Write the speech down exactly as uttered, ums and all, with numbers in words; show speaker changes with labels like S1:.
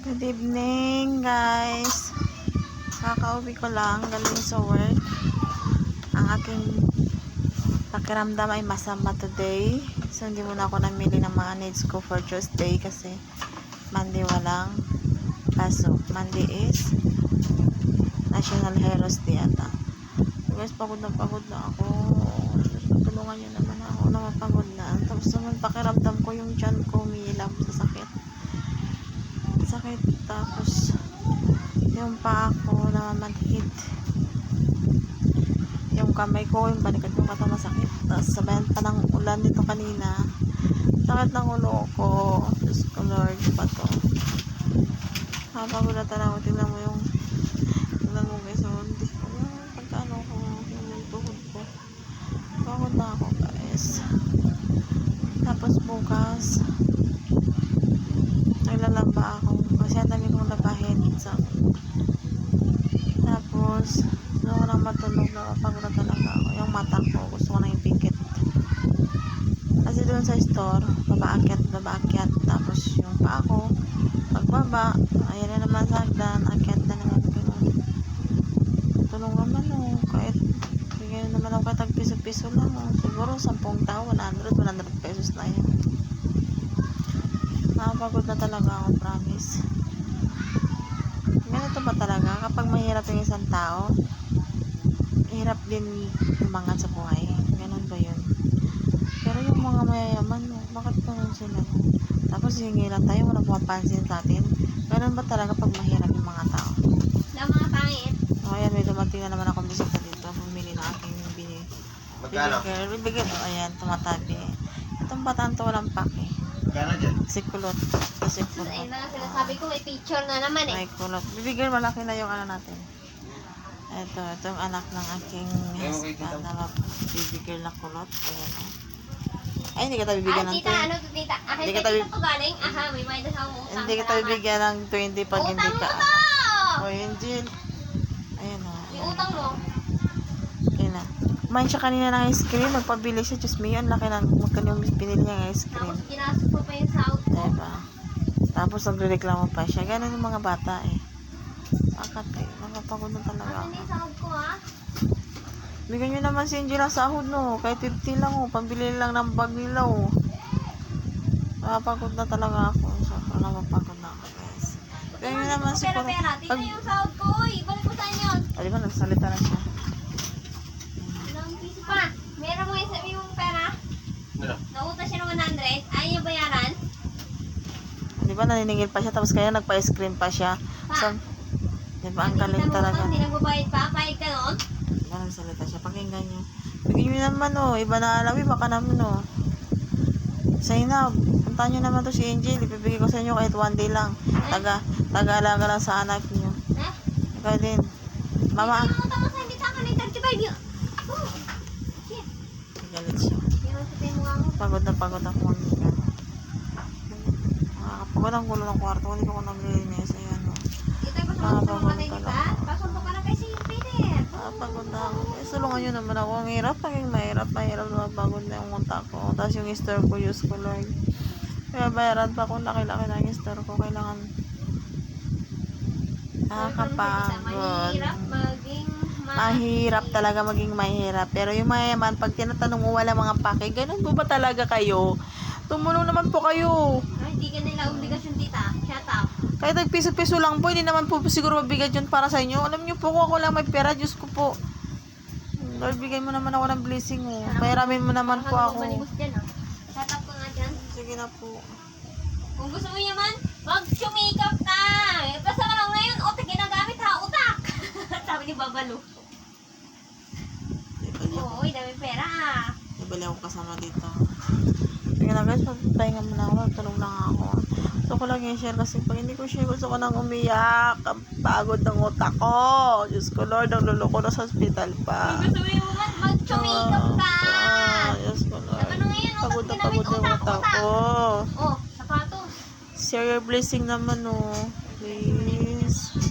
S1: Good evening, guys. Kakauwi ko lang galing sa work. Ang aking pakiramdam ay masama today. So, hindi muna ako namili ng mga needs ko for Tuesday kasi Monday walang pasok. Monday is National Heroes Day ata. So, guys, pagod na pagod na ako. Tulungan nyo naman ako na mapagod na. Tapos naman pakiramdam ko yung tiyan ko umiilam sa sakit. Sakit. Tapos yung paa ko namamanhid. Yung kamay ko, yung balikat yung kata masakit. Tapos sabayan pa ng ulan nito kanina. Sakit ng ulo ko. Diyos ko Lord, ba to? Napagod na talaga. Tingnan mo yung tingnan mo guys. So, hindi ko yung pagkano ko yung tuhod ko. Pagod na ako guys. Tapos bukas naglalaba ako kasi ang dami kong labahin minsan. Tapos gusto ko nang matulog na mapagod na talaga ako. Yung mata ko gusto ko nang ipikit kasi doon sa store babaakyat babaakyat. Tapos yung paa ko pagbaba ayan na naman sa hagdan, akyat na naman ganun. Tulong naman o kahit bigyan naman ako kahit piso-piso lang o. Siguro sampung tao one hundred pesos na yun. Nakapagod na talaga ako, promise. Ganito ba talaga? Kapag mahirap yung isang tao, hirap din umangat sa buhay. Ganun ba yun? Pero yung mga mayayaman, bakit ganun sila? Tapos hingi lang tayo, walang pumapansin sa atin. Ganun ba talaga pag mahirap yung mga tao?
S2: Na mga pangit.
S1: O, ayan, may dumating na naman akong bisita dito. Bumili na aking bini.
S3: Magkano?
S1: Bibigyan, bibigyan. O, ayan, tumatabi. Itong bataan to walang pake.
S3: Magkano dyan?
S1: Sikulot. Sikulot.
S2: Ayun na, sinasabi ko may picture na naman eh.
S1: May kulot. Bibigyan malaki na yung ano natin. Ito, ito yung anak ng aking husband na bibigyan na kulot. Ayan o. Ay, hindi ka tayo bibigyan
S2: Ah,
S1: ng
S2: tita,
S1: twenty.
S2: ano to tita? Ah,
S1: Hindi
S2: hindi
S1: ka
S2: ka
S1: tabi-
S2: tita ko galing. Aha, may bayad sa utang.
S1: Hindi ka tayo bibigyan ng twenty pag hindi
S2: Utang
S1: ka.
S2: mo to!
S1: O, Angel. Ayan o.
S2: Yung utang mo.
S1: Okay na. Kumain siya kanina ng ice cream. Magpabili siya. Diyos me, ang laki ng magkano yung pinili niya ng ice cream.
S2: Tapos ginastos mo pa yung sahod ko.
S1: Diba? Tapos nagreklamo pa siya. Ganun yung mga bata eh. Bakit eh? Nakapagod na talaga
S2: Ano
S1: ako.
S2: na yung sahod ko ha?
S1: Bigyan nyo naman si Angel ang sahod no. Kahit fifty lang oh. Pambili lang ng bag nila oh. Nakapagod na talaga ako. Sobrang napapagod na ako guys. Bigyan nyo naman si
S2: Pera pera. Tita
S1: Pag...
S2: yung sahod ko. Uy, balik mo saan yun?
S1: Ah, di ba nagsalita na siya?
S2: Ilang piso pa. Meron mo yung sabi mong pera?
S3: Ano?
S2: Nauta siya ng one hundred. Ayaw niya bayaran?
S1: Di ba naniningil pa siya tapos kaya nagpa-ice cream pa siya.
S2: Pa.
S1: So, di ba ang galing talaga.
S2: Hindi nagbabayad pa. Pahit ka noon?
S1: Di ba nagsalita siya? Pakinggan nyo. Bigyan nyo naman oh. Iba na alawi baka naman oh. Zainab, puntahan nyo naman to si Angel. Ipibigay ko sa inyo kahit one day lang. Taga, taga-alaga lang sa anak nyo.
S2: Ha?
S1: Ikaw din. Mama.
S2: Hindi mo tama sa hindi taka ng thirty-five yun. Oh. Shit.
S1: Galit siya.
S2: Yung sabihin mo nga mo.
S1: Pagod na pagod ako mamaya. Nakakapagod ang gulo ng kwarto. Hindi ko naglilinis. Ayan o.
S2: Dito ay
S1: Ah,
S2: pasok mo
S1: pagod
S2: ka tayo, di
S1: talaga.
S2: ba? Pasok ka na kay si Peter.
S1: Nakakapagod na ako. Eh, sulungan nyo naman ako. Ang hirap. Ang mahirap. Mahirap na mapagod na yung utak ko. Tapos yung store ko, use ko Lord. Kaya bayaran pa kung laki-laki na yung store ko. Kailangan nakakapagod.
S2: Mahirap maging ma-
S1: Mahirap talaga maging mahirap. Pero yung mayaman, pag tinatanong mo wala mga pake, ganun po ba talaga kayo? Tumulong naman po kayo.
S2: Ay, hindi ka nila obligasyon, tita. Shut up.
S1: Kahit nagpiso-piso lang po, hindi naman po siguro mabigat yun para sa inyo. Alam niyo po, kung ako lang may pera, Diyos ko po. Lord, bigay mo naman ako ng blessing, oh. Bayaramin mo naman po ako.
S2: Malimos dyan, ah. Shut up ka nga dyan.
S1: Sige na po.
S2: Kung gusto mo yaman, mag-sumikap ka. Basta ka lang ngayon, utak ginagamit ha, utak. Sabi ni Babalo.
S1: Ibali ako.
S2: Oo, dami pera ah.
S1: Ibali ako kasama dito. Sige na guys, magpahinga muna ako. Tulog lang ako. Gusto ko lang i-share kasi pag hindi ko share, gusto ko nang umiyak. Ang pagod ng utak ko. Diyos ko Lord, ang lulo ko na sa hospital pa.
S2: Kung gusto mo yaman, mag-sumikap ka.
S1: Ah, Diyos ko Lord.
S2: Ano ngayon, utak
S1: Pagod na
S2: ginamit,
S1: pagod yung
S2: utak,
S1: utak
S2: utak.
S1: ko.
S2: Oh, sapatos.
S1: Share your blessing naman, oh. Please.